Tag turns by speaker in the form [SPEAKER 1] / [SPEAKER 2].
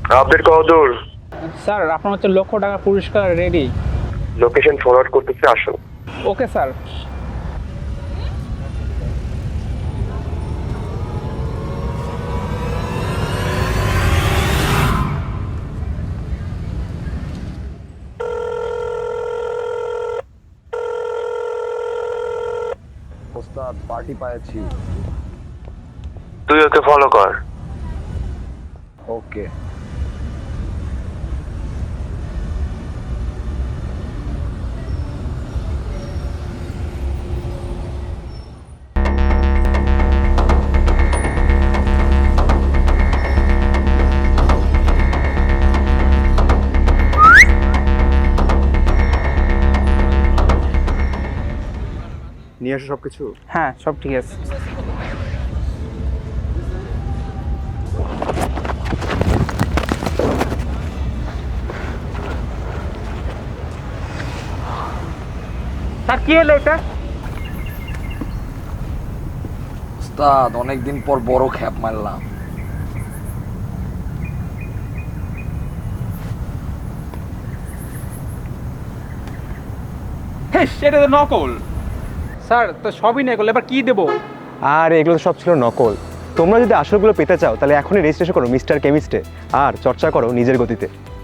[SPEAKER 1] Update কতদূর?
[SPEAKER 2] Sir আপনার হচ্ছে £1,00,000 পুরস্কার রেডি।
[SPEAKER 1] লোকেশন ফরওয়ার্ড করতেছে, আসুন।
[SPEAKER 2] Okay sir.
[SPEAKER 3] ওস্তাদ পার্টি পাইছি।
[SPEAKER 1] তুই ওকে ফলো কর।
[SPEAKER 3] ওকে।
[SPEAKER 4] নিয়ে আসো সবকিছু।
[SPEAKER 2] হ্যাঁ সব ঠিক আছে। স্যার কি হলো এটা?
[SPEAKER 3] ওস্তাদ অনেকদিন পর বড় খ্যাপ মারলাম।
[SPEAKER 2] হ্যাঁ সেটা তো নকল। স্যার তো সবই নকল, এবার কি দেবো?
[SPEAKER 4] আর এগুলো তো সব ছিল নকল। তোমরা যদি আসলগুলো পেতে চাও তাহলে এখনই রেজিস্ট্রেশন করো মিস্টার কেমিস্টে, আর চর্চা করো নিজের গতিতে।